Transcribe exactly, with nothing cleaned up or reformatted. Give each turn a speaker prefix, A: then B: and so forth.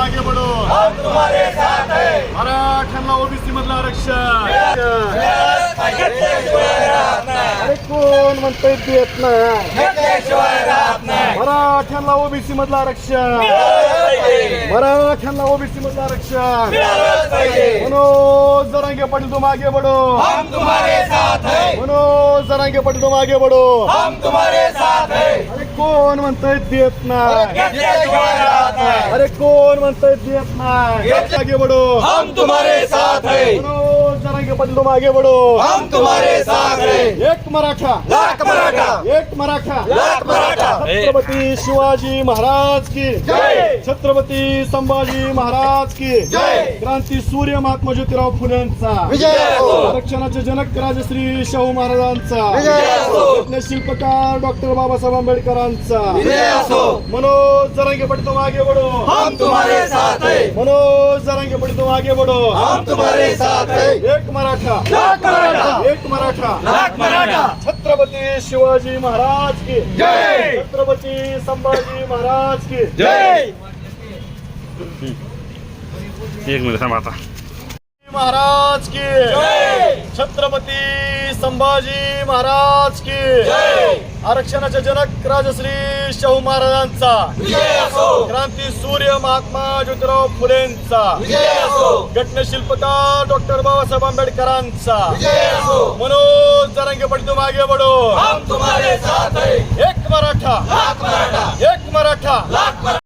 A: आगे बढ़ो,
B: हम तुम्हारे साथ है।
A: मराठ्यांना ओबीसी मधलं आरक्षण.
B: घेतल्याशिवाय राहत नाही,
A: अरे कोण म्हणतंय देत नाही.
B: घेतल्याशिवाय राहत नाही.
A: मराठ्यांना ओबीसी मधलं आरक्षण,
B: मिळालंच पाहिजे,
A: मराठ्यांना ओबीसी मधलं आरक्षण.
B: मिळालंच पाहिजे.
A: मनोज जरांगे पाटील तुम आगे बढ़ो,
B: हम तुम्हारे साथ है,
A: मनोज जरांगे पाटील तुम आगे बढ़ो.
B: हम तुम्हारे साथ है.
A: अरे कोण म्हणतंय देत नाही.
B: घेतल्याशिवाय राहत नाही,
A: अरे कोण म्हणतंय देत नाही. आगे बढ़ो,
B: हम तुम्हारे साथ है,
A: मनोज जरांगे पाटील तुम आगे बढ़ो.
B: हम तुम्हारे साथ है.
A: एक मराठा,
B: लाख मराठा,
A: एक मराठा,
B: लाख मराठा.
A: छत्रपती शिवाजी महाराज की
B: जय.
A: छत्रपती संभाजी महाराज की
B: जय.
A: क्रांती सूर्य महात्मा ज्योतिराव फुलेंचा
B: विजय असो.
A: आरक्षणाचे जनक राजश्री शाहू महाराजांचा
B: विजय असो.
A: शिल्पकार डॉक्टर बाबासाहेब आंबेडकरांचा
B: विजय असो.
A: मनोज जरांगे पाटील तुम आगे बढ़ो,
B: हम तुम्हारे साथ है,
A: मनोज जरांगे पाटील तुम आगे बढ़ो.
B: हम तुम्हारे साथ है.
A: एक मराठा,
B: लाख मराठा,
A: एक मराठा,
B: लाख मराठा.
A: छत्रपती शिवाजी महाराज की
B: जय.
A: छत्रपती संभाजी महाराज की
B: जय.
C: एक मिनिट थांबा आता.
A: महाराज की
B: जय.
A: छत्रपती संभाजी महाराज की
B: जय.
A: आरक्षणाचे जनक राजश्री शाहू महाराजांचा
B: विजय असो.
A: क्रांती सूर्य महात्मा ज्योतिराव फुलेंचा
B: विजय असो.
A: घटनशिल्पकार डॉक्टर बाबासाहेब आंबेडकरांचा
B: विजय असो.
A: मनोज जरांगे पाटील तुम आगे बढ़ो.
B: हम तुम्हारे साथ है.
A: एक मराठा,
B: लाख मराठा,
A: एक मराठा,
B: लाख मराठा.